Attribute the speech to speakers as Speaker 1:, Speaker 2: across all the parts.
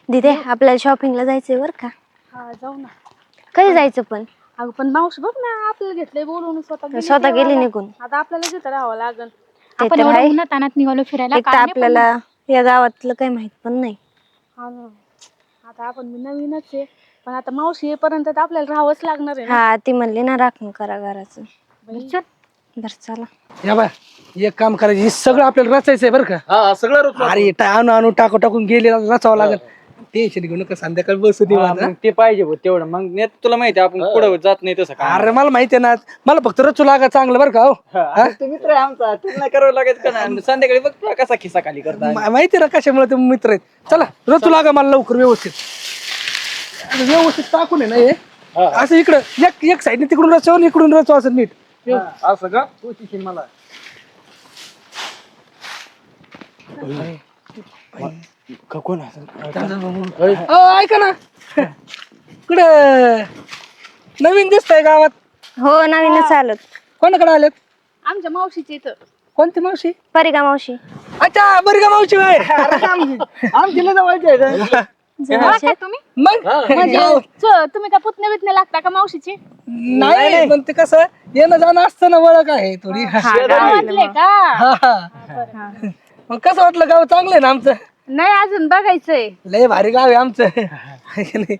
Speaker 1: दीदी आपल्याला शॉपिंगला जायचंय बर का?
Speaker 2: हा जाऊ ना.
Speaker 1: कधी जायचं पण?
Speaker 2: अगं पण मावशी बघ ना आपल्याला घेतलंय बोलवून
Speaker 1: स्वतः गेली निघून.
Speaker 2: आता आपल्याला तिथं राहावं लागल.
Speaker 1: ते
Speaker 2: आपण
Speaker 1: तर
Speaker 2: एवढं
Speaker 1: आहे.
Speaker 2: उन्हात तानात निघालो फिरायला
Speaker 1: एक तर आपल्याला या गावातलं काही माहित पण नाही.
Speaker 2: हा ना. आता आपण नवीनच आहे पण आता मावशी येईपर्यंत तर आपल्याला राहावंच लागणार आहे ना.
Speaker 1: हा ती म्हणली ना राखण करा घराचं.
Speaker 2: चल.
Speaker 1: बर चला.
Speaker 3: या बा एक काम करायचं हे सगळं आपल्याला रचायचंय बरं का?
Speaker 4: हा सगळं
Speaker 3: अरे आणू आणू टाकून गेले रचावं लागेल. टेन्शन घेऊ नका संध्याकाळी बसू दे माझं.
Speaker 4: ते पाहिजे भाऊ तेवढं मग नेत तुला माहिती आपण पुढे जात नाही तसं
Speaker 3: अरे मला माहितीये ना मला फक्त रचू लागा चांगलं बरं का? हो
Speaker 4: तू मित्र आहे आमचा तुला नाही करावं लागेल का नाही संध्याकाळी बघ तुला कसा खिसा खाली करता
Speaker 3: माहिती ना कशामुळे ते मित्र आहेत. चला रचू लागा मला लवकर व्यवस्थित टाकून आहे ना हे असं इकडं एक साईडने तिकडून रचव इकडून रचव असं नीट
Speaker 4: असं का तू शिकशील मला कोण
Speaker 3: ऐका ना कुठं नवीन दिसतंय गावात?
Speaker 1: हो नवीनच चालत.
Speaker 3: कोणाकडे आलेत?
Speaker 2: आमच्या मावशीच्या इथं.
Speaker 3: कोणती मावशी?
Speaker 1: परिका मावशी.
Speaker 3: अच्छा बरी का मावशी बाय आमची जवळची
Speaker 2: तुम्ही
Speaker 3: मग
Speaker 2: तुम्ही का पुतणे बितणे लागता का मावशीचे?
Speaker 3: नाही पण ते कसं येणं जाणं असतं ना ओळख आहे थोडी.
Speaker 2: गावातले का?
Speaker 3: हा. मग कसं वाटलं गाव चांगलं आहे ना आमचं?
Speaker 2: नाही अजून बघायचंय.
Speaker 3: लय भारी गाव आहे आमचं आहे की नाही?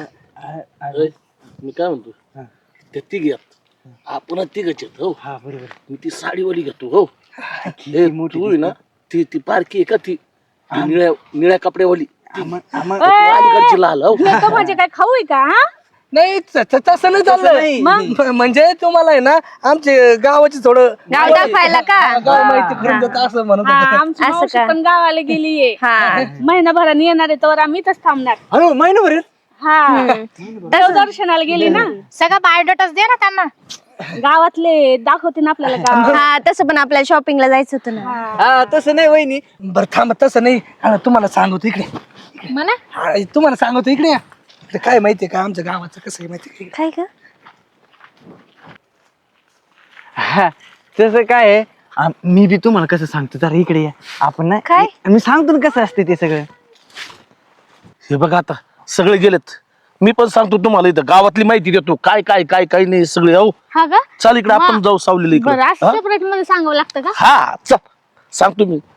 Speaker 5: मी काय म्हणतो ते तिघ आपण तिघच आहेत हो.
Speaker 4: हा बरोबर
Speaker 5: मी ती साडीवाली घेतो हो. तू आहे ना ती ती पारखी आहे का ती निळ्या निळ्या कपड्यावाली अलीकडची लाल हो.
Speaker 2: म्हणजे काय खाऊ आहे का?
Speaker 3: नाही तसं नाही चाललं म्हणजे तुम्हाला आहे ना आमचे गावाची थोडं
Speaker 1: गाव दाखवायला का?
Speaker 3: गाव माहिती करून देतं असं म्हणत होतं.
Speaker 2: आमची
Speaker 1: असं
Speaker 2: मावशी
Speaker 1: का?
Speaker 2: पण गावाला गेलीये.
Speaker 1: हा.
Speaker 2: महिनाभराने येणार आहे तर आम्ही इथंच थांबणार.
Speaker 4: अरे महिनाभर
Speaker 2: हा दर्शनाला गेली ना.
Speaker 6: सगळा बायोडाटाच दे ना त्यांना.
Speaker 2: गावातले दाखवते ना आपल्याला गाव.
Speaker 1: हा तसं पण आपल्याला शॉपिंगला जायचं होतं ना.
Speaker 4: हा तसं नाही वहिनी
Speaker 3: बरं थांब तसं नाही तुम्हाला सांगतो इकडे
Speaker 6: म्हणा
Speaker 3: तुम्हाला सांगतो इकडे या. इकडे काय माहितीये का आमच्या गावाचं कसं आहे माहितीये का?
Speaker 1: काय ग?
Speaker 4: तसं काय आहे मी बी तुम्हाला कसं सांगतो जरा इकडे या आपण ना
Speaker 1: काय?
Speaker 4: मी सांगतो ना कसं असते ते सगळं.
Speaker 5: हे बघा आता सगळे गेलेत. मी पण सांगतो तुम्हाला इथं गावातली माहिती देतो काय काय काय काय नाही सगळे हो.
Speaker 2: हा का?
Speaker 5: चाल इकडे आपण जाऊ सावलेली इकडे.
Speaker 2: बरं असं सेपरेट मध्ये सांगावं लागतं का?
Speaker 5: हा चल सांगतो मी.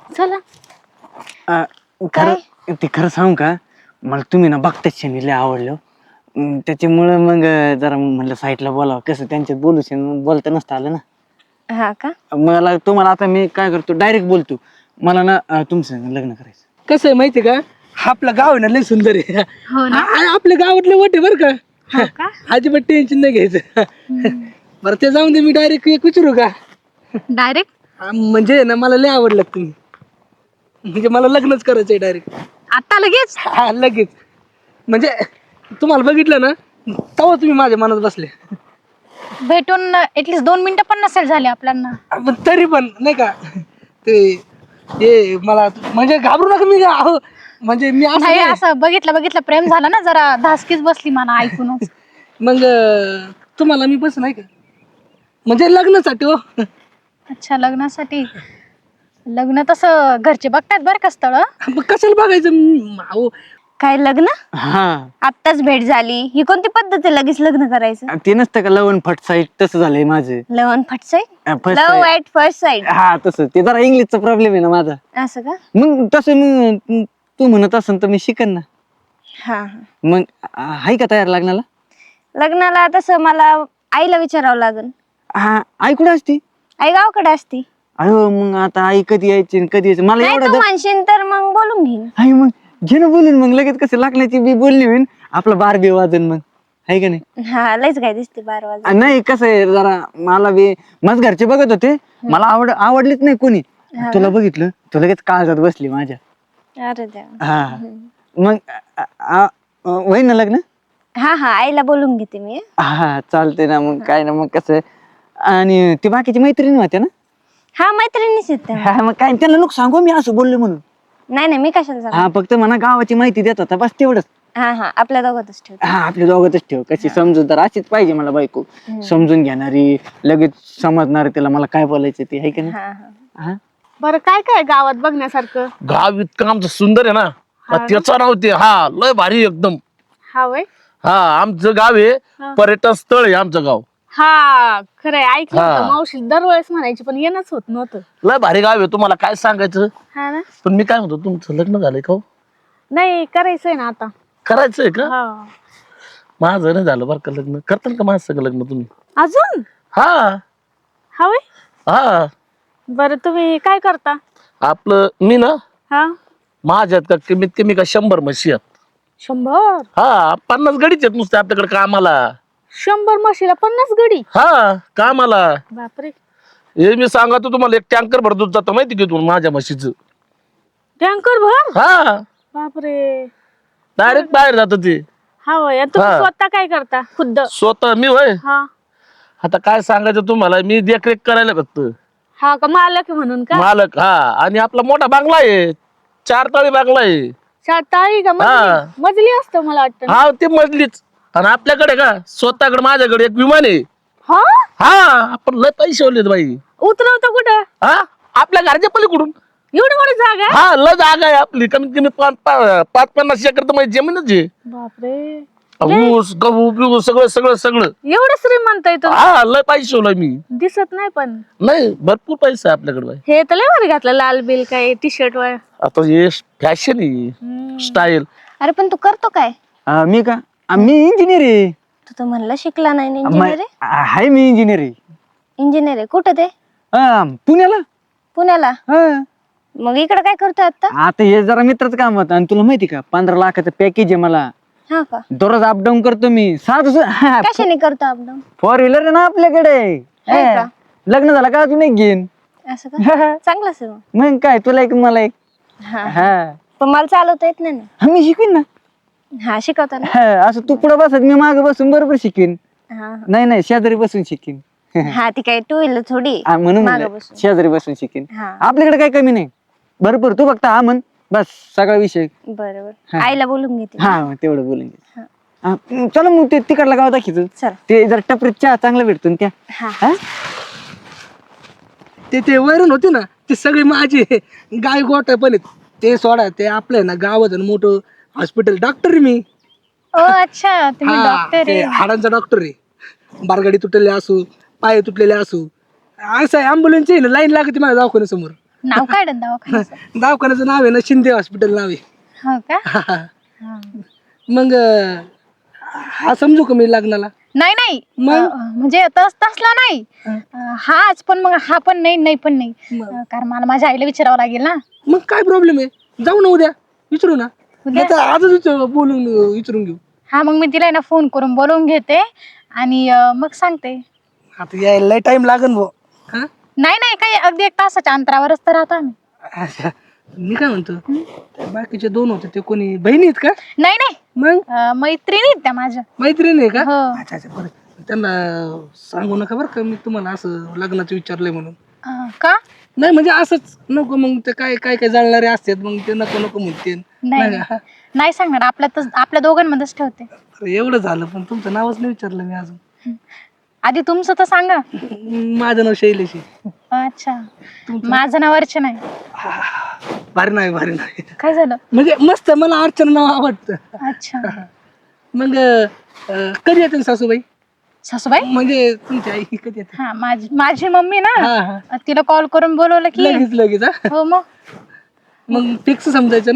Speaker 2: चला.
Speaker 4: खरं ते खरं सांगू का मला तुम्ही ना बघताच लय आवडलं त्याच्यामुळं मग जरा म्हणलं साईडला बोलावं कसं त्यांच्यात बोलता नसतं आलं ना.
Speaker 1: हा का?
Speaker 4: मला तुम्हाला आता मी काय करतो डायरेक्ट बोलतो मला ना तुमचं लग्न करायचं.
Speaker 3: कसं आहे माहितीये का आपलं गाव आहे ना लय सुंदर आहे. आपल्या गावातले वट आहे बरं का? अजिबात टेन्शन नाही घ्यायचं. बरं ते जाऊन दे मी डायरेक्ट एक विचारू का?
Speaker 2: डायरेक्ट
Speaker 3: म्हणजे ना मला लय आवडलं तुम्ही म्हणजे मला लग्नच करायचंय डायरेक्ट.
Speaker 2: आता लगेच?
Speaker 3: हा लगेच म्हणजे तुम्हाला बघितलं ना तेव्हा तुम्ही माझ्या मनात बसले.
Speaker 6: भेटून ऍटलीस्ट 2 मिनिटं पण नसेल झाले आपल्याला.
Speaker 3: पण तरी पण नाही का ते मला म्हणजे घाबरू नका मी अहो म्हणजे मी असं
Speaker 6: नाही
Speaker 3: नाही.
Speaker 6: असं बघितलं प्रेम झालं ना जरा धासकीच बसली मला ऐकूनच.
Speaker 3: मग तुम्हाला मी बस नाही का म्हणजे लग्नासाठी हो.
Speaker 6: अच्छा लग्नासाठी. लग्न तसं घरचे बघतात बरं का स्थळ.
Speaker 3: मग कशाला बघायचं अहो
Speaker 1: काय लग्न?
Speaker 4: हा
Speaker 1: आत्ताच भेट झाली ही कोणती पद्धत आहे लगेच लग्न करायचं?
Speaker 4: ते नसतं का लवण फट साईड तसं झालंय माझं.
Speaker 1: लव्ह फट side?
Speaker 4: First
Speaker 1: love
Speaker 4: sight.
Speaker 1: At first side
Speaker 4: हा तसं ते जरा इंग्लिशचा प्रॉब्लेम आहे ना माझा.
Speaker 1: असं का?
Speaker 4: मग तसं मग तू म्हणत असन तर मी शिकन ना.
Speaker 1: हा
Speaker 4: मग आहे का तयार लग्नाला?
Speaker 1: लग्नाला तसं मला आईला विचारावं लागेल.
Speaker 4: हा आई कुठे असती?
Speaker 1: आई गावाकडे असती.
Speaker 4: अयो मग आता आई कधी यायची आणि कधी यायची मला
Speaker 1: नाही
Speaker 4: एवढं
Speaker 1: तू म्हणशील तर मग बोलून घेईन.
Speaker 4: आई मग घे ना बोलून मग लगेच कसं लग्नाची बी बोलली होईन आपलं बार बी वाजन मग आहे का नाही.
Speaker 1: हा लयच काय दिसते 12 वाजता.
Speaker 4: नाही कसं आहे जरा मला बी माझ घरचे बघत होते मला आवडलीच नाही कोणी. तुला बघितलं तू लगेच काळजात बसली माझ्या.
Speaker 1: अरे देवा.
Speaker 4: हा मग होईन ना लग्न?
Speaker 1: हा हा आईला बोलून घेते मी.
Speaker 4: हा चालते ना मग काय ना मग कसं आणि ती बाकीची मैत्रिणी होत्या ना.
Speaker 1: हा मैत्रिणीच आहेत त्या.
Speaker 4: हा मग काय त्यांना नको सांगू मी असं बोलले म्हणून.
Speaker 1: नाही मी कशाला सांगू.
Speaker 4: हा फक्त मला गावाची माहिती देत होता बस तेवढंच.
Speaker 1: हा हा आपल्या दोघातच ठेव.
Speaker 4: हा आपल्या दोघातच ठेव कशी समजूतदार अशीच पाहिजे मला बायको. समजून घेणारी लगेच समजणार त्याला मला काय बोलायचं ते आहे का नाही.
Speaker 1: हा हा
Speaker 4: हा
Speaker 2: बरं काय काय गावात बघण्यासारखं?
Speaker 5: गाव इतकं आमचं सुंदर आहे ना त्याचं नाव ते हा लय भारी एकदम.
Speaker 2: हा वय
Speaker 5: हा आमचं गाव आहे पर्यटन स्थळ आहे आमचं गाव.
Speaker 2: हा खरंय ऐकलं
Speaker 5: हा.
Speaker 2: होतं मावशी दरवेळेस म्हणायची पण येणंच होत नव्हतं.
Speaker 5: लय भारी गाव आहे तुम्हाला काय सांगायचं.
Speaker 2: हा ना
Speaker 5: पण मी काय म्हणतो तुमचं लग्न झालंय का हो?
Speaker 2: नाही करायचंय ना आता.
Speaker 5: करायचंय का?
Speaker 2: हा
Speaker 5: माझं नाही झालं बरं का लग्न. करताल का माझं सगळं लग्न तुम्ही?
Speaker 2: अजून
Speaker 5: हा
Speaker 2: हा वय
Speaker 5: हा
Speaker 2: बरं तुम्ही काय करता?
Speaker 5: आपलं मी ना
Speaker 2: हा
Speaker 5: माझ्यात का कमीत कमी का 100 म्हशी आहेत.
Speaker 2: 100
Speaker 5: हा 50 गडीच आहेत नुसते आपल्याकडे कामाला.
Speaker 2: 100 म्हशीला 50 गडी.
Speaker 5: हा कामाला.
Speaker 2: बापरे
Speaker 5: हे मी सांगतो तुम्हाला एक टँकर भर दूध जातं माहिती की तुम्ही माझ्या म्हशीचं.
Speaker 2: टँकर भर.
Speaker 5: हा
Speaker 2: बापरे
Speaker 5: डायरेक्ट बाहेर जात ते.
Speaker 2: हा वय आणि तुम्ही
Speaker 5: हा.
Speaker 2: स्वतः काय करता खुद्द?
Speaker 5: स्वतः मी होय
Speaker 2: हा
Speaker 5: आता काय सांगायचं तुम्हाला मी देखरेख करायला फक्त
Speaker 2: हा का मालक आहे म्हणून का?
Speaker 5: मालक. हा आणि आपला मोठा बांगला आहे 4 तळी बांगला आहे.
Speaker 2: शाताळी का
Speaker 5: हा.
Speaker 2: मजली असतं मला वाटतं.
Speaker 5: हा ते मजलीच. आणि आपल्याकडे का स्वतःकडे माझ्याकडे एक विमान आहे.
Speaker 2: हा
Speaker 5: हा आपण लय पैसे ओलेत बाई.
Speaker 2: उतरवतं कुठं?
Speaker 5: हा आपल्या घरच्या पलीकडून.
Speaker 2: एवढी मोठी जागा आहे?
Speaker 5: हा लय जागा आहे आपली कमीत कमी 5-50 एकर तर माझी जमीनच आहे.
Speaker 2: बापरे
Speaker 5: ऊस गहू बिहू सगळं सगळं सगळं.
Speaker 2: एवढं श्रीमंत आहे तुम्ही.
Speaker 5: हा लय पैसे ओलाय मी.
Speaker 2: दिसत नाही पण
Speaker 5: नाही भरपूर पैसा आहे आपल्याकडे बाई.
Speaker 2: हे तर लय भारी घातलं लाल बिल काय टी शर्ट वर.
Speaker 5: आता हे फॅशन आहे स्टाईल.
Speaker 1: अरे पण तू करतो काय?
Speaker 4: मी का मी इंजिनियर आहे.
Speaker 1: तू तर म्हणला शिकला नाही इंजिनियर आहे.
Speaker 4: हाय मी इंजिनियर आहे.
Speaker 1: इंजिनियर आहे कुठं ते?
Speaker 4: पुण्याला.
Speaker 1: पुण्याला.
Speaker 4: हा.
Speaker 1: मग इकडे काय करतोय आता?
Speaker 4: आता हे जरा मित्राचं काम होतं आणि तुला माहिती का 15 लाखाचं पॅकेज आहे मला.
Speaker 1: हा का?
Speaker 4: दररोज अपडाऊन करतो मी.
Speaker 1: कशाने करतो अपडाऊन?
Speaker 4: 4 व्हीलर आहे ना आपल्याकडे.
Speaker 1: आहे का?
Speaker 4: लग्न झालं का अजून एक घेईन.
Speaker 1: असं का? चांगलंच आहे मग.
Speaker 4: मग काय तुला एक मला एक.
Speaker 1: हा
Speaker 4: हा
Speaker 1: पण मला चालवता येत नाही ना.
Speaker 4: मी शिकवीन ना.
Speaker 1: हा शिकवताना.
Speaker 4: असं तू पुढे बसत मी मागे बसून बरोबर शिकवीन.
Speaker 1: हा
Speaker 4: नाही शेजारी बसून शिकवीन.
Speaker 1: हा ती काय 2 व्हीलर थोडी
Speaker 4: म्हणून
Speaker 1: मागं
Speaker 4: म्हणलं,
Speaker 1: बसून.
Speaker 4: शेजारी बसून शिकेन.
Speaker 1: हा
Speaker 4: आपल्याकडे काही कमी नाही भरपूर. तू फक्त हा म्हण बस सगळा विषय.
Speaker 1: बरोबर. आईला बोलून घेते.
Speaker 4: हा मग तेवढं बोलून घे. चला मग ते तिकडला गाव दाखवतो.
Speaker 1: चल.
Speaker 4: ते जर टपरीत चहा चांगला भेटतो ना त्या.
Speaker 1: हा
Speaker 4: हा?
Speaker 3: ते वैरण होते ना ते सगळे माझे गाय गोट पण आहेत. ते सोडा ते आपलं आहे ना गावात मोठं हॉस्पिटल डॉक्टर मी.
Speaker 6: ओ अच्छा तुम्ही
Speaker 3: हा,
Speaker 6: डॉक्टर
Speaker 3: ते
Speaker 6: आहे.
Speaker 3: हाडांचा डॉक्टर आहे. बारगाडी तुटलेले असू पाय तुटलेले असू असं ॲम्ब्युलन्सची लाईन लागते माझ्या दवाखान्यासमोर.
Speaker 6: नाव काय दवाखान्याचं?
Speaker 3: दवाखान्याचं नाव आहे ना शिंदे हॉस्पिटल नाव आहे.
Speaker 6: हो का?
Speaker 3: हा. मग हा समजू का मी लग्नाला?
Speaker 6: नाही
Speaker 3: मग?
Speaker 6: म्हणजे तसला नाही. हाच पण मग हा पण नाही पण नाही. कारण मला माझ्या आईला विचारावं लागेल ना.
Speaker 3: मग काय प्रॉब्लेम आहे जाऊ ना उद्या विचारू ना. नाहीतर आजच बोलून विचारून घेऊ.
Speaker 6: हा मग मी तिला ना फोन करून बोलवून घेते आणि मग सांगते.
Speaker 3: आता यायला लय टाइम लागन भाऊ. हा
Speaker 6: नाही काही अगदी 1 तासाच्या अंतरावरच तर राहतो आम्ही.
Speaker 3: अच्छा. मी काय म्हणतो त्या बाकीचे 2 होते ते कोणी बहिणी आहेत का?
Speaker 6: नाही
Speaker 3: मग
Speaker 6: मैत्रिणी आहेत त्या माझ्या.
Speaker 3: मैत्रीण आहे का?
Speaker 6: हो.
Speaker 3: अच्छा बरं त्यांना सांगू नका बरं का मी तुम्हाला असं लग्नाचं विचारलंय म्हणून.
Speaker 6: का?
Speaker 3: नाही म्हणजे असंच नको मग ते काय जाळणारे असतात मग ते नको म्हणते.
Speaker 6: नाही सांगणार. आपल्या दोघांमध्येच ठेवते.
Speaker 3: एवढं झालं पण तुमचं नावच नाही विचारलं मी अजून.
Speaker 6: आधी तुमचं तर सांगा.
Speaker 3: माझं नाव शैलेश आहे.
Speaker 6: अच्छा माझं नाव अर्चना आहे.
Speaker 3: भारी नाही
Speaker 6: काय झालं?
Speaker 3: म्हणजे मस्त मला अर्चना नाव आवडतं.
Speaker 6: अच्छा
Speaker 3: मग कधी येते सासूबाई?
Speaker 6: सासूबाई
Speaker 3: म्हणजे तुमची आई कधी येते?
Speaker 6: हा माझी मम्मी ना
Speaker 3: हा.
Speaker 6: तिला कॉल करून बोलवलं की
Speaker 3: लगेच हा?
Speaker 6: हो
Speaker 3: मग फिक्स समजायचं ना.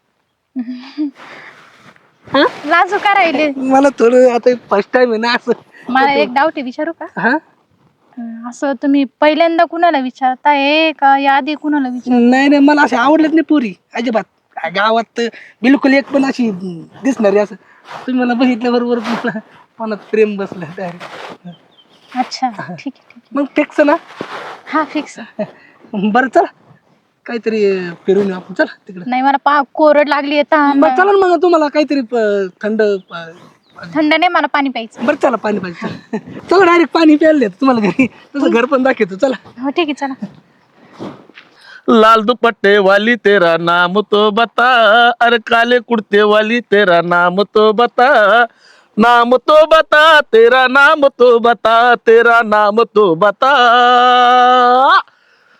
Speaker 6: लाजू का राहिले?
Speaker 3: मला थोडं आता फर्स्ट टाइम आहे ना असं.
Speaker 6: मला एक डाऊट आहे विचारू का?
Speaker 3: हा
Speaker 6: असं तुम्ही पहिल्यांदा कुणाला विचारताय का या आधी कुणाला विचार?
Speaker 3: नाही मला असे आवडलेच नाही पोरी अजिबात. गावात तर बिलकुल एक पण अशी दिसणारी असं तुम्ही मला बघितल्या बरोबर मला मनात प्रेम बसलं डायरेक्ट.
Speaker 6: अच्छा ठीक आहे.
Speaker 3: मग फिक्स ना.
Speaker 6: हा फिक्स.
Speaker 3: बरं चला काहीतरी फिरून येऊ आपण. चला तिकडे.
Speaker 6: नाही मला कोरड लागली आहे.
Speaker 3: बरं चला ना मग तुम्हाला काहीतरी थंड
Speaker 6: थंड नाही मला पाणी प्यायचं.
Speaker 3: बरं चला पाणी पाहिजे. चला डायरेक्ट पाणी प्यायला देतो तुम्हाला घरी. तसं घर पण दाखवतो चला.
Speaker 6: हो ठीक आहे चला.
Speaker 5: लाल दुपट्टे वाली तेरा नाम तो बता, अरे काले कुर्ते वाली तेरा नाम तो बता, नाम तो बता तेरा नाम तो बता, तेरा नाम तो बता.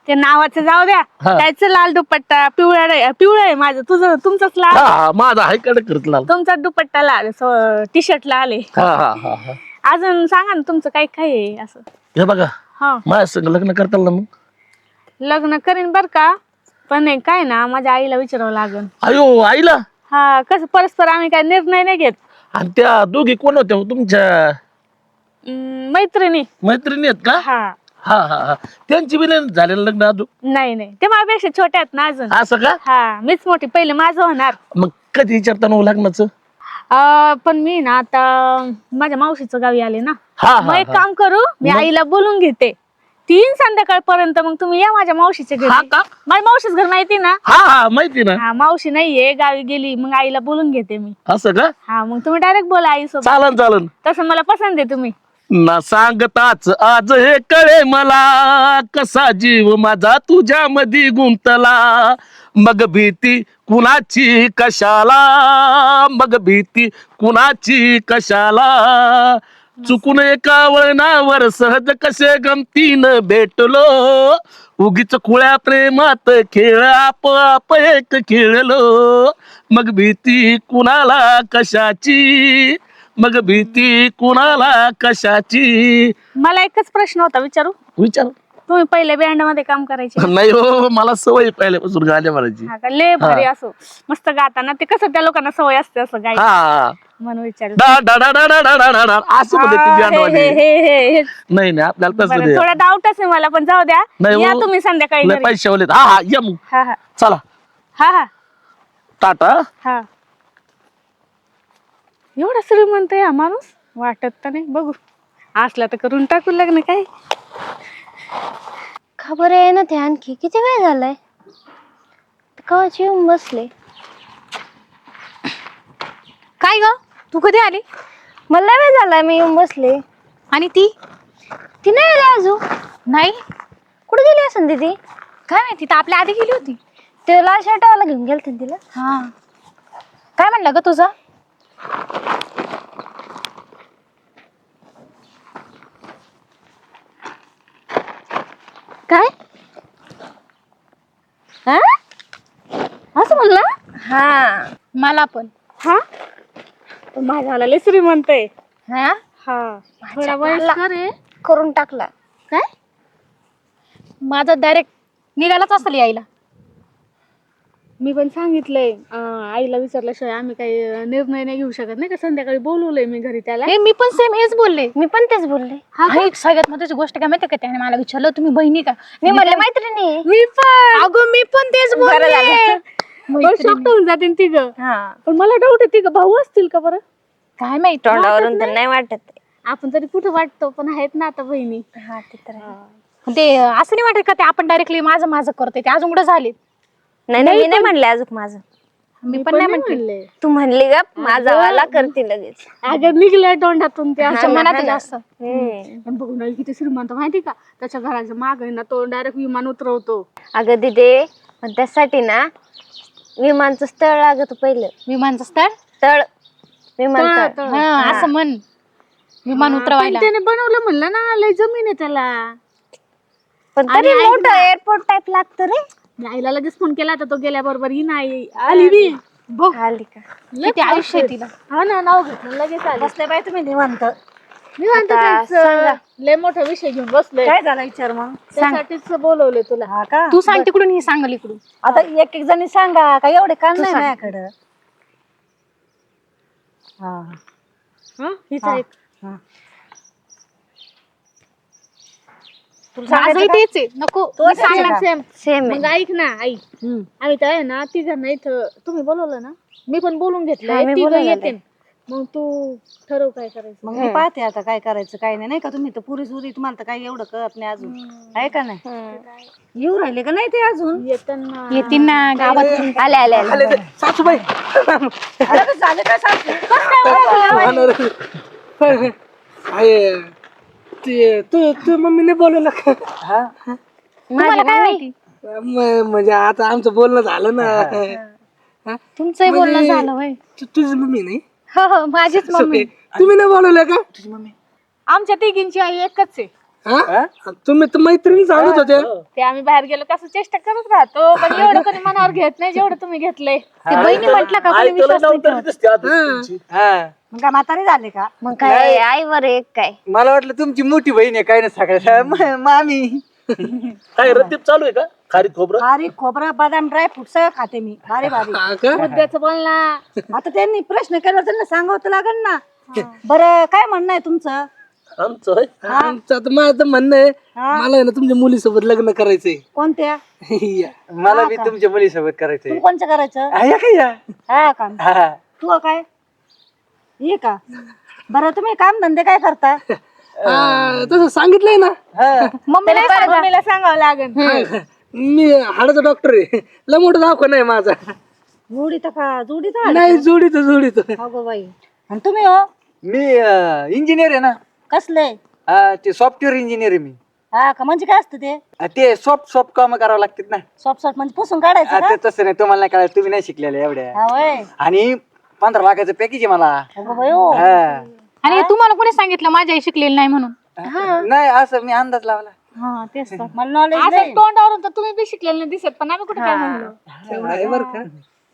Speaker 2: ते नावाचं जाऊ द्या.
Speaker 5: हा.
Speaker 2: त्याचं लाल दुपट्टा पिवळा आहे माझं, तुमचाच
Speaker 5: हा
Speaker 2: लाल.
Speaker 5: हा माझा आहे कडे करत लाल.
Speaker 2: तुमचा दुपट्टा लाल, टी शर्टला आले.
Speaker 5: हा हा हा हा.
Speaker 2: अजून सांगा ना तुमचं काय काय आहे असं.
Speaker 5: हे बघा
Speaker 2: हा
Speaker 5: माझ्या संग लग्न करताल ना मग.
Speaker 2: लग्न करीन बर का, पण हे काय ना माझ्या आईला विचारावं लागेल.
Speaker 5: अयो आईला.
Speaker 2: हा कसं परस्पर आम्ही काय निर्णय नाही घेत.
Speaker 5: आणि त्या दोघी कोण होत्या हो तुमच्या
Speaker 2: मैत्रिणी.
Speaker 5: मैत्रिणी आहेत का?
Speaker 2: हा
Speaker 5: हा हा हा. त्यांची बी नाही झालेलं लग्न अजून.
Speaker 2: नाही नाही, ते माझ्यापेक्षा छोट्या आहेत ना अजून.
Speaker 5: असं का?
Speaker 2: हा मीच मोठी, पहिले माझं होणार.
Speaker 5: मग कधी विचारता ना लग्नाचं?
Speaker 2: पण मी ना आता माझ्या मावशीचं गावी आले ना.
Speaker 5: हा
Speaker 2: मग
Speaker 5: हा
Speaker 2: एक
Speaker 5: हा.
Speaker 2: काम करू, मी आईला बोलून घेते 3 संध्याकाळपर्यंत. मग तुम्ही या माझ्या मावशीच्या घरी.
Speaker 5: हा का?
Speaker 2: माझ्या मावशीच घर माहिती ना.
Speaker 5: हा हा माहिती ना.
Speaker 2: हा मावशी नाहीये, गावी गेली. मग आईला बोलून घेते मी.
Speaker 5: असं का?
Speaker 2: हा मग तुम्ही डायरेक्ट बोला आईसोबत.
Speaker 5: चालन चालन.
Speaker 2: तसं मला पसंत आहे तुम्ही.
Speaker 5: ना सांगताच आज हे कळे मला, कसा जीव माझा तुझ्या मध्ये गुंतला. मग भीती कुणाची कशाला, मग भीती कुणाची कशाला. चुकून एका वळणावर सहज कसे गमतीनं भेटलो. उगीच खुळ्या प्रेमात खेळ आप एक खेळलो. मग भीती कुणाला कशाची, मग भीती कुणाला कशाची.
Speaker 2: मला एकच प्रश्न होता, विचारू.
Speaker 5: विचार.
Speaker 2: तुम्ही पहिले बँड मध्ये काम करायचे.
Speaker 5: नाही हो, मला सवय पहिल्यापासून गाण्या म्हणायची.
Speaker 2: हा का, लय भारी असो मस्त गाताना. ते कसं त्या लोकांना सवय असते असं गायची,
Speaker 5: हा
Speaker 2: म्हणून विचारू.
Speaker 5: डा डा डा डा डा डा डा डा डा असं म्हणते ती band वाली.
Speaker 2: हे
Speaker 5: नाही नाही आपल्याला तसं
Speaker 2: बरं,
Speaker 5: नाही.
Speaker 2: थोडा डाऊटच आहे मला, पण जाऊ द्या.
Speaker 5: नाही
Speaker 2: या
Speaker 5: हो.
Speaker 2: तुम्ही संध्याकाळी
Speaker 5: लय
Speaker 2: घरी.
Speaker 5: पैसे वाले. हा हा या मग.
Speaker 2: हा हा
Speaker 5: चला
Speaker 2: हा हा
Speaker 5: टाटा.
Speaker 2: हा. एवढा श्रीमंत आहे हा माणूस, वाटत तर नाही. बघू असला तर करून टाकू लग्न. काय
Speaker 1: खबर आहे ना ते. आणखी किती वेळ झालाय, कवाची येऊन बसले.
Speaker 6: काय ग, तू कधी आली?
Speaker 1: मला लय वेळ झालाय, मी येऊन बसले.
Speaker 6: आणि ती
Speaker 1: ती नाही आली अजून.
Speaker 6: नाही?
Speaker 1: कुठे गेली असेल ती?
Speaker 6: काय माहिती, तर आपल्या आधी गेली होती.
Speaker 1: ते लाल शर्टवाला घेऊन गेलते ना तिला.
Speaker 6: हा. काय म्हणलं ग तुझं?
Speaker 2: काय हा असं म्हणला?
Speaker 1: हा
Speaker 6: मला पण.
Speaker 2: हा माझ्या लय श्रीमंत आहे.
Speaker 6: हा,
Speaker 2: हा थोडा वयस्कर आहे.
Speaker 1: करून टाकला.
Speaker 2: काय
Speaker 6: माझं डायरेक्ट निघालाच असेल यायला.
Speaker 2: मी पण सांगितलंय आईला विचारल्याशिवाय आम्ही काही निर्णय नाही घेऊ शकत नाही का. संध्याकाळी बोलवलंय मी घरी त्याला.
Speaker 6: मी पण सेम हेच बोलले.
Speaker 1: मी पण तेच बोलले.
Speaker 6: आणि सगळ्यात महत्त्वाची गोष्ट काय माहिती का, त्याने मला विचारलं तुम्ही बहिणी का.
Speaker 1: मी म्हणले मैत्रिणी.
Speaker 2: मी पण
Speaker 6: अगं मी पण तेच
Speaker 1: बरं झालं.
Speaker 6: बोलले.
Speaker 2: शॉक्ट होऊन जाते तिघं.
Speaker 1: हा
Speaker 2: पण मला डाऊट आहे तिघं भाऊ असतील का बरं.
Speaker 6: काय माहित.
Speaker 1: तोंडावरून तर नाही वाटत.
Speaker 2: आपण तरी कुठं वाटतो, पण आहेत ना आता बहिणी.
Speaker 1: हा ते तर आहे.
Speaker 6: ते असं नाही वाटत का ते आपण डायरेक्टली माझं माझं करते, ते अजून कुठं झाले.
Speaker 1: नाही नाही मी नाही म्हणले अजून माझं.
Speaker 6: मी पण नाही म्हटले.
Speaker 1: तू म्हणली का माझा वाला करते लगेच.
Speaker 2: अगं निघलं तोंडातून ते
Speaker 6: त्याच्या मनात जास्त.
Speaker 2: पण बघून राहिली किती श्रीमंत माहिती का. त्याच्या घराच्या माग आहे ना तो डायरेक्ट विमान उतरवतो.
Speaker 1: अगं दिदे, पण त्यासाठी ना विमानचं स्थळ लागत पहिलं.
Speaker 6: विमानचं स्थळ.
Speaker 1: तळ विमानतळ.
Speaker 2: तळ.
Speaker 6: हा असं म्हण. विमान उतरवायला.
Speaker 2: पण त्याने बनवलं म्हणलं ना, लय जमीन आहे त्याला.
Speaker 1: पण तरी मोठं एअरपोर्ट टाइप लागतं रे.
Speaker 2: मी आईला लगेच फोन केला तर तो गेल्याबरोबर ही नाही आली बी.
Speaker 6: बघ
Speaker 1: आली का.
Speaker 6: किती आयुष्य आहे तिला.
Speaker 2: हा ना, नाव घेतलं लगेच आली.
Speaker 1: बसले बाई तुम्ही निवांत.
Speaker 2: मी म्हणतो
Speaker 1: आता
Speaker 2: तेच,
Speaker 1: सांगा.
Speaker 2: लय मोठा विषय घेऊन बसलोय.
Speaker 1: काय झाला विचार मग.
Speaker 2: त्यासाठीच बोलवले तुला.
Speaker 7: हा का
Speaker 6: तू सांग तिकडून, ही सांगल इकडून.
Speaker 7: आता एक एक जणी सांगा काय एवढे काम नाही माझ्याकडं. हा
Speaker 2: हा हिचा एक
Speaker 6: माझंही तेच आहे. नको मी सांगणार.
Speaker 2: सेम.
Speaker 1: सेम
Speaker 2: मग ऐक ना आई, आम्ही तर आहे ना तिघांना इथं तुम्ही बोलवलं ना, मी पण बोलून
Speaker 1: हा,
Speaker 2: घेतलंय.
Speaker 1: मी
Speaker 2: तिघं
Speaker 1: बोलवलेलं
Speaker 2: येते. मग तू ठरव काय करायचं.
Speaker 7: मग मी पाहते आता काय करायचं काय नाही. नाही का तुम्ही तर पुरी सुरी तुम्हाला तर काही एवढं कळत नाही अजून आहे का नाही. येऊ राहिले का नाही ते अजून.
Speaker 2: येताना
Speaker 6: येतील ना गावात.
Speaker 1: आले आले आले.
Speaker 3: आले ते सासूबाई.
Speaker 7: झालं काय सांगते.
Speaker 3: आहे ते तू मम्मीने बोलवलं का?
Speaker 6: तुम्हाला काय माहिती.
Speaker 3: म्हणजे आता आमचं बोलणं झालं ना.
Speaker 6: तुमचंही बोलणं झालं होय.
Speaker 3: तुझी मम्मी नाही.
Speaker 6: हो हो माझीच मम्मी.
Speaker 3: तुम्ही नाही बोलवलं का? तुझी मम्मी.
Speaker 2: आमच्या तिघींची आई एकच आहे.
Speaker 3: हा तुम्ही तर मैत्रिणी सांगत होते
Speaker 2: ते आम्ही बाहेर गेलो कसं चेष्टा करत राहतो पण एवढं कोणी मनावर घेत नाही जेवढं तुम्ही घेतलंय
Speaker 6: ते बहिणी म्हटलं का कोणी विश्वास नाही ठेवत.
Speaker 5: दिसते आता तुमची.
Speaker 4: हा
Speaker 7: मग काय म्हातारी झाले का
Speaker 1: मग काय आईवर एक काय
Speaker 4: मला वाटलं तुमची मोठी बहीण आहे काय ना सगळ्या मामी
Speaker 5: काय रतीप चालू आहे का खारी खोबरं
Speaker 7: खारीक खोबरं बदाम ड्राय फ्रूट सगळं खाते मी भारी भारी
Speaker 3: हा का?
Speaker 2: मुद्द्याचं बोल ना.
Speaker 7: आता त्यांनी प्रश्न केला त्यांना सांगावं तर लागेल ना बरं काय म्हणणं आहे तुमचं
Speaker 5: आमचं होय.
Speaker 3: आमचं आता माझं म्हणणं आहे मला आहे ना तुमच्या मुलीसोबत लग्न करायचंय
Speaker 7: कोणत्या
Speaker 3: या.
Speaker 4: मला बी तुमच्या मुलीसोबत करायचंय
Speaker 7: तू कोणचं करायचं
Speaker 4: या काय या
Speaker 7: हा का
Speaker 4: हा.
Speaker 7: तू काय ये का बरं तुम्ही काम धंदे काय करता
Speaker 3: हा, तसं सांगितलंय ना
Speaker 2: मम्मीला सांगावं लागेल.
Speaker 3: मी हाडाचा डॉक्टर आहे लय मोठं दवाखाना आहे माझा
Speaker 7: जोडीत का जोडीत
Speaker 3: नाही जोडीतो
Speaker 7: अगो बाई आणि तुम्ही हो
Speaker 4: मी इंजिनियर आहे ना
Speaker 7: कसले
Speaker 4: हा, ते सॉफ्टवेअर इंजिनियर आहे मी
Speaker 7: हा का म्हणजे काय असतं ते
Speaker 4: ते सॉफ्ट काम करावं लागतात ना
Speaker 7: सॉफ्ट सॉफ्ट म्हणजे पुसून काढायचं
Speaker 4: हा,
Speaker 7: का
Speaker 4: ते तसं नाही तुम्हाला नाही कळायचं तुम्ही नाही शिकलेले एवढ्या
Speaker 7: हा वय
Speaker 4: आणि 15 लाखाचं पॅकेज आहे मला
Speaker 7: अगो बाई हो
Speaker 4: हा.
Speaker 6: आणि तुम्हाला कोणी सांगितलं माझी आई शिकलेली नाही म्हणून
Speaker 4: नाही असं मी अंदाज लावला
Speaker 6: हा तेच तर.
Speaker 7: मला नॉलेज
Speaker 2: असं
Speaker 7: नाही
Speaker 2: तोंडावरून तर तुम्ही बी शिकलेले नाही दिसत पण आम्ही कुठे काय म्हणलो
Speaker 3: आहे बरं का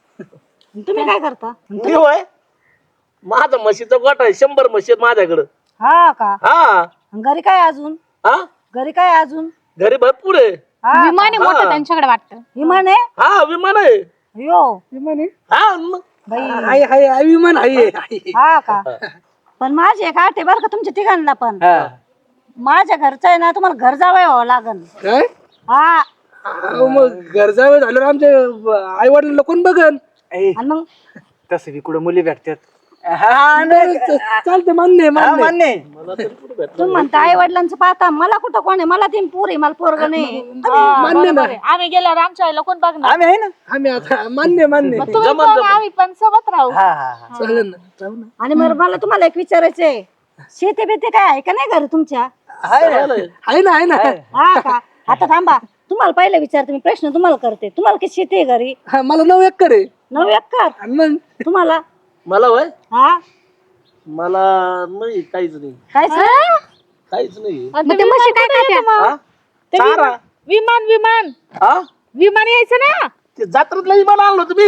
Speaker 7: तुम्ही काय करता
Speaker 5: मी होय माझा म्हशीचा गोठा आहे 100 म्हशी आहेत माझ्याकडं
Speaker 7: हा का
Speaker 5: हा
Speaker 7: घरी काय अजून
Speaker 5: हा
Speaker 7: घरी काय अजून
Speaker 5: घरी भरपूर आहे
Speaker 7: हा
Speaker 6: विमान आहे मोठं त्यांच्याकडे वाटतं.
Speaker 7: विमान आहे
Speaker 5: हा विमान आहे
Speaker 7: यो
Speaker 5: हा मग
Speaker 3: आहे आहे विमान आहे
Speaker 7: हा का पण माझी एक आठ आहे बरं का तुमच्या तिघांना पण
Speaker 4: हा.
Speaker 7: माझ्या घरचं आहे ना तुम्हाला घर जावं व्हावं लागन
Speaker 3: काय
Speaker 7: हा
Speaker 3: अहो, मग गरजावे झाल्यावर आमच्या आई वडिलांना कोण बघन
Speaker 4: ए,
Speaker 7: आणि मग
Speaker 4: तसं बी कुठं मुली भेटतात हा, नाही.
Speaker 3: चालते मान्य आहे,
Speaker 4: हा,
Speaker 3: मान्य आहे.
Speaker 4: मान्य आहे.
Speaker 5: मला तरी कुठे भेटलं
Speaker 7: तुम्ही म्हणता आई वडिलांचं पाहता मला कुठं कोण आहे मला तीन पोरी मला पोरग नाही
Speaker 3: मान्य ना
Speaker 2: आम्ही गेल्यावर आमच्या आईला कोण बघणार
Speaker 4: आम्ही आहे ना
Speaker 3: आम्ही आता मान्य मान्य
Speaker 2: मग तुम्ही पण आम्ही पण सोबत राहू.
Speaker 4: हा हा हा.
Speaker 3: चालेल ना जाऊ ना
Speaker 7: आणि मग मला तुम्हाला एक विचारायचंय शेती बेती काय आहे का नाही घर तुमच्या
Speaker 4: आहे ना.
Speaker 3: आहे ना आहे ना
Speaker 7: हा का आता थांबा तुम्हाला पहिले विचारते मी प्रश्न तुम्हाला करते तुम्हाला किती शेती आहे घरी
Speaker 3: हा, मला 9 एकर आहे
Speaker 7: 9 एकर
Speaker 3: आणि मग
Speaker 7: तुम्हाला
Speaker 5: मला वय
Speaker 7: हा
Speaker 5: मला नाही काहीच नाही
Speaker 7: काय
Speaker 5: काहीच नाही
Speaker 2: मग ते म्हशी काय खात्या?
Speaker 5: हा? चारा
Speaker 2: विमान विमान
Speaker 5: हा
Speaker 2: विमान यायचं ना
Speaker 5: ते जत्रातलं विमान आणलं तुम्ही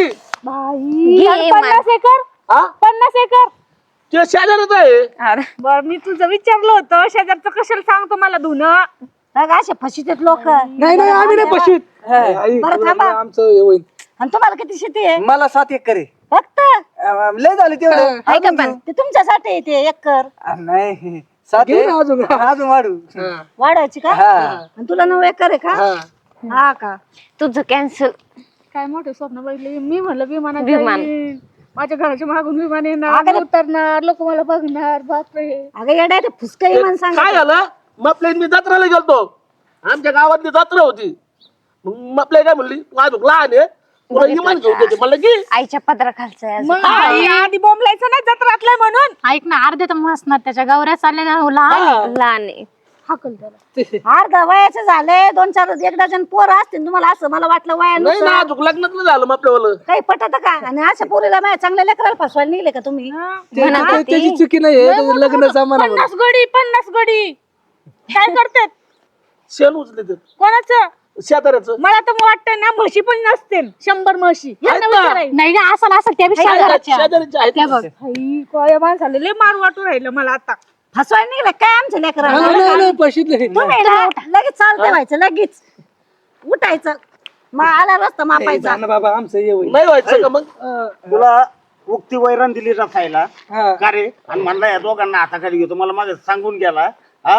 Speaker 2: आणि 50 एकर
Speaker 5: हा
Speaker 2: 50 एकर
Speaker 5: ते शेजारच आहे
Speaker 2: बर मी तुझं विचारलं होतं शेजारचं कशाला सांगतो मला धुणं
Speaker 7: असे फशीत लोक
Speaker 3: नाही नाही आम्ही नाही पशुत आई,
Speaker 7: बरं, थांबा.
Speaker 3: आमचं हे होईल
Speaker 7: आणि तुम्हाला किती शेती आहे
Speaker 4: मला 7 एकर आहे
Speaker 7: फक्त
Speaker 4: लय झाले तेवढं
Speaker 7: ऐका पण ते तुमच्यासाठी ते एकर
Speaker 4: नाही 7
Speaker 3: घेऊ ना अजून
Speaker 4: अजून वाढू
Speaker 3: हा,
Speaker 7: वाढायची का
Speaker 4: हा
Speaker 7: आणि तुला 9 एकर आहे का
Speaker 3: हा.
Speaker 7: हा का
Speaker 1: तुझं कॅन्सल
Speaker 2: काय मोठे स्वप्न बघितले मी म्हणलं विमानात
Speaker 1: विमान.
Speaker 2: जाईन. माझ्या घराच्या मागून विमान येणार उतरणार लोक मला बघणार बापरे
Speaker 7: अगं येडा ते फुसका इमान सांग
Speaker 5: काय झालं मग आपल्या मी जत्राला गेलतो आमच्या गावातली जत्रा होती मग आपल्या काय म्हणली तू अजून लहान आहे तुला इमान घेऊन देते म्हणलं की
Speaker 1: आईच्या पदरा खालचं
Speaker 2: मग आई आधी बोंबलायचं ना जत्रातलं म्हणून
Speaker 6: ऐक ना अर्धे तर असणार त्याच्या गौऱ्या चालल्या ना लहान
Speaker 1: लहान आहे
Speaker 2: हाकल त्याला
Speaker 7: अर्धा वयाचे झाले 2-4 एक डझन पोरं असतील तुम्हाला असं मला वाटलं
Speaker 5: नाही ना
Speaker 7: वयानुसार
Speaker 5: अजून लग्नात नाही झालं मग आपल्यावालं
Speaker 7: काही पटत का आणि अशा पोरीला माझ्या चांगल्या लेकराला फसवायला निघले का तुम्ही
Speaker 3: त्याची चुकी नाही लग्न जमाना
Speaker 2: 50 गडी काय करतात
Speaker 5: शेण उचले ते
Speaker 2: कोणाचं
Speaker 5: शेजाऱ्याचं
Speaker 2: मला तर वाटतं ना म्हशी पण नसतील 100 म्हशी यांना विचारायचं.
Speaker 6: नाही ना असं असं त्या पेक्षा घराच्या
Speaker 5: शेजाऱ्याचे आहेत
Speaker 6: त्या बघ
Speaker 2: आई, काय माणसाला लय मार वाटून राहिलं मला आता
Speaker 7: फसवायला निघले काय आमच्या लेकराला
Speaker 3: नाही नाही पशुत नाही
Speaker 7: तुम्ही ना लगेच चालते व्हायचं लगेच उठायचं मग आला रस्ता मापायचा
Speaker 3: जा ना बाबा आमचं हे होईल
Speaker 5: नाही व्हायचं का मग
Speaker 8: तुला उक्ती वैरण दिली रसायला
Speaker 3: हा.
Speaker 8: का रे आणि म्हणला या दोघांना हाताखाली घेतो मला माझं सांगून गेला हा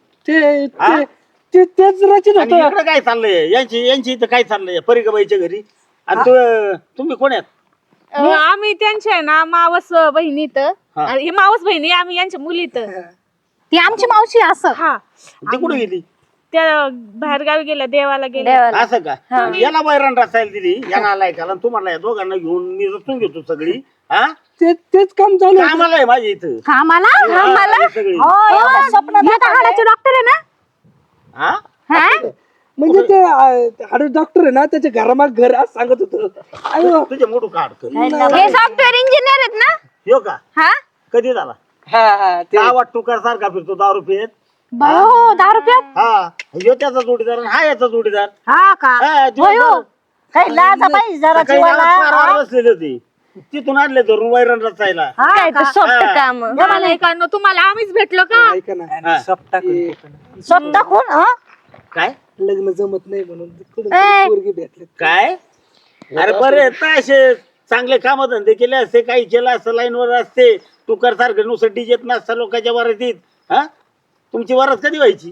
Speaker 3: तेच रचित
Speaker 8: आणि
Speaker 3: होतं
Speaker 8: इकडे काय चाललंय यांची इथं काय चाललंय परिगाबाईच्या घरी आणि तुम्ही कोण आहेत
Speaker 2: आम्ही त्यांच्या आहे ना मावस बहिणीत हे मावस बहिणी आम्ही यांच्या मुलीत
Speaker 6: ती आमची मावशी असं
Speaker 2: हा
Speaker 8: ती कुठे गेली
Speaker 2: त्या बाहेर गावी गेल्या देवाला गेल्या
Speaker 8: असं का याला वैरण रसायला दिली याला आलाय का तुम्हाला या दोघांना घेऊन मी रचून घेतो सगळी हा
Speaker 3: तेच काम चालू आहे.
Speaker 8: कामाला आहे माझ्या इथं
Speaker 6: कामाला
Speaker 8: हा, सगळी
Speaker 7: हो एवढं स्वप्न
Speaker 6: हाडाचे डॉक्टर आहे ना
Speaker 8: हा
Speaker 6: हा
Speaker 3: म्हणजे ते हाड डॉक्टर आहे ना त्याच्या घरामाग घर आज सांगत होतं
Speaker 8: तुझे मोठू काढतो
Speaker 1: हे सॉफ्टवेअर इंजिनियर आहेत ना
Speaker 8: हो का
Speaker 1: हा
Speaker 8: कधी झाला
Speaker 4: हा हा ते
Speaker 8: गावात टुकार सारखा फिरतो दारू पित
Speaker 6: बायो 10 रुपयात
Speaker 8: हा ह्यो त्याचा जोडीदार आणि हा याचा जोडीदार
Speaker 7: हा का
Speaker 8: हा, जोडीदार.
Speaker 7: काही लाजा पाहिजे जरा
Speaker 8: सकाळी
Speaker 7: जीवाला
Speaker 8: गावात पारावर बसलेली होती तिथून आणले धरून वैरण रचायला
Speaker 7: हा
Speaker 1: काय
Speaker 7: का?
Speaker 1: तर सोपं काम
Speaker 2: ऐकांनो तुम्हाला आम्हीच भेटलो का
Speaker 3: ऐका ना
Speaker 8: हा.
Speaker 7: स्वतः कोण हा
Speaker 8: काय
Speaker 3: लग्न जमत नाही म्हणून कुठून
Speaker 1: ए.
Speaker 3: तरी पोरगी भेटले
Speaker 8: काय अरे बरे आहेत ना असे चांगले काम धंदे केले असते काही केलं असतं लाईनवर असते तुकार सारखं नुसतं डीजेत नसता लोकांच्या वरातीत हा तुमची वरात कधी व्हायची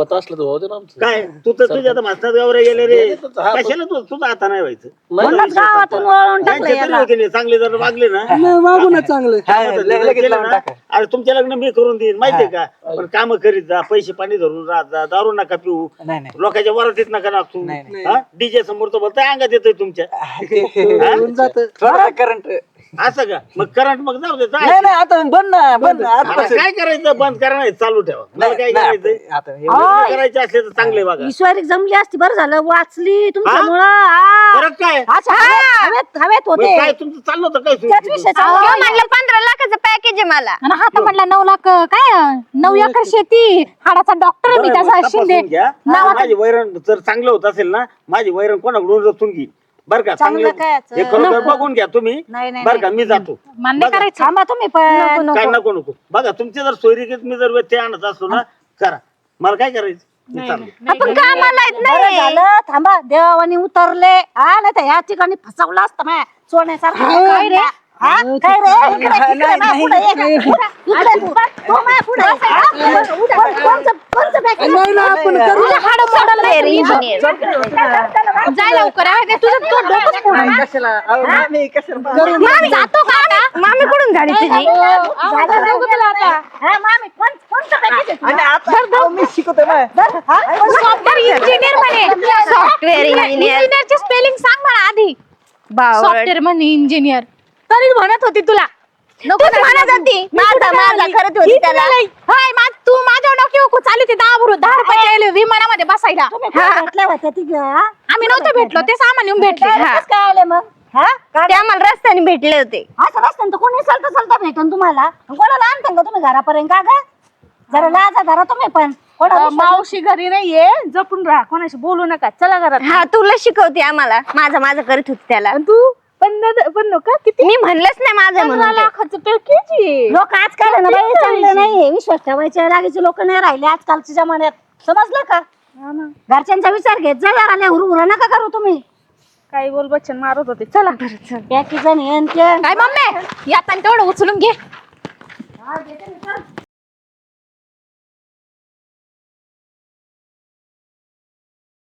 Speaker 8: काय तू तर तुझ्या मास्तर गावरे गेले रे कशाला तू तुझा आता नाही व्हायचं
Speaker 7: म्हणूनच गावातून वळून टाकलं
Speaker 8: त्यांचे तरी
Speaker 7: याला.
Speaker 8: होते नाही, चांगले जर वागले ना
Speaker 3: नाही वागू ना चांगलं
Speaker 8: केलं ना, अरे तुमच्या लग्न मी करून देईन माहितीये का पण काम करीत जा पैसे पाणी धरून राहत जा दारू नका पिऊ लोकांच्या वरातीत नका नाचू डीजे समोर तर बोलताय अंगात येतोय तुमच्या
Speaker 3: होऊन जातं.
Speaker 4: करंट
Speaker 8: असं का मग करंट मग जाऊ दे
Speaker 4: नाही नाही आता बंद ना बंद
Speaker 8: आता काय करायचं बंद करा नाही चालू ठेवा मला काय करायचं
Speaker 4: आता हे-
Speaker 8: लग्न करायचे असले तर चांगले बघा
Speaker 7: ईश्वरी जमली असती बरं झालं वाचली तुमच्यामुळं
Speaker 8: फरक काय
Speaker 7: अच्छा हवेत
Speaker 8: मग
Speaker 7: होते
Speaker 8: काय तुमचं चाललं होतं काय
Speaker 7: त्याच विषय चालू
Speaker 1: ह्यो म्हणलं 15 लाखाचं पॅकेज आहे मला
Speaker 6: आणि हा तर म्हटला 9 लाख काय 9 एकर शेती हाडाचा डॉक्टर आहे मी
Speaker 8: बरं,
Speaker 6: त्याचा
Speaker 8: मग
Speaker 6: शिंदे
Speaker 8: तपासून घ्या. माझी वैरण जर चांगलं होत असेल ना माझी वैरण कोणाकडून रचून घे बर का
Speaker 7: चांगलं
Speaker 8: चांगलं
Speaker 7: काय याचं?
Speaker 8: हे खरोखर बघून घ्या तुम्ही
Speaker 7: नाही, नाही,
Speaker 8: बर का मी जातो
Speaker 6: मान्य
Speaker 8: बघा.
Speaker 6: करायचं
Speaker 7: थांबा तुम्ही पण
Speaker 8: काय नको नको बघा तुमचे जर सोयरीकीत मी जर व्यत्यय आणत असलो ना करा मला काय करायचं मी चाललो
Speaker 1: आपण कामाला येत
Speaker 7: बरं
Speaker 1: नाही
Speaker 7: झालं थांबा देवानी उतरले हा नाही तर या ठिकाणी फसवलं असतं मॅ सोन्यासारखं काय रे हा? काय रे इकडे मा, पुढे ये. इकडे तू. हो, मा, पुढे ये. हा? कोणचं package?
Speaker 3: नाही ना आपण करू.
Speaker 7: तुझ्या हाडं मोडलं नाही.
Speaker 1: इंजिनियर
Speaker 6: जाय लवकर आहे तुझं डोकंच फोडा ना.
Speaker 4: कशाला अहो, मामी, कशाला
Speaker 6: मामी जातो का आता?
Speaker 1: मामी कुठून झाली तुझी
Speaker 7: झालं जाऊ तुला आता. हा, मामी, कोणचं package आहे तुझं?
Speaker 4: आणि आता अहो, मी शिकवतो ना
Speaker 7: हा?
Speaker 6: सॉफ्टवेअर इंजिनियर म्हणे
Speaker 1: सॉफ्टवेअर इंजिनियर
Speaker 6: इंजिनियरची स्पेलिंग सांग मला आधी
Speaker 1: बावळ
Speaker 6: सॉफ्टवेअर म्हणे इंजिनियर तरी म्हणत होती तुला नको
Speaker 1: तूच म्हणत होती माझा करत होती त्याला
Speaker 6: तू माझ्या डोक्यावर चालू ते 10 रुपये विमानामध्ये बसायला
Speaker 7: तुम्ही कुठे भेटल्या होत्या तिघं, हा?
Speaker 6: आम्ही नव्हतो भेटलो ते सामान येऊन भेटले
Speaker 7: कसं काय आले मग हा काय
Speaker 1: ते आम्हाला रस्त्याने भेटले होते
Speaker 7: असं रस्त्यानं तर कोणी चालता भेटन तुम्हाला कोणाला आणता का तुम्ही घरापर्यंत का ग जरा लाजा धरा तुम्ही पण कोणाला
Speaker 2: मावशी घरी नाहीये जपून राहा कोणाशी बोलू नका चला घरात
Speaker 1: हा तुला शिकवते आम्हाला माझं करत होती त्याला
Speaker 2: आणि तू पण नका किती
Speaker 1: मी म्हणलंच नाही माझं म्हणून ते.
Speaker 2: लाखाचं पॅकेज आहे
Speaker 7: लोक आजकाल आहे ना बाई चांगलं नाही विश्वास ठेवायचे लागेचे लोक नाही राहिले आजकालच्या जमान्यात समजलं का घरच्यांचा विचार घेत जा जरा हुरहुरा नका करू तुम्ही
Speaker 2: काही बोल बच्चन मारत होते चला
Speaker 7: पॅकेज आणि हे आणि ते.
Speaker 6: काय मम्मी यात तेवढं उचलून घे
Speaker 7: हा, घेते मी, चल.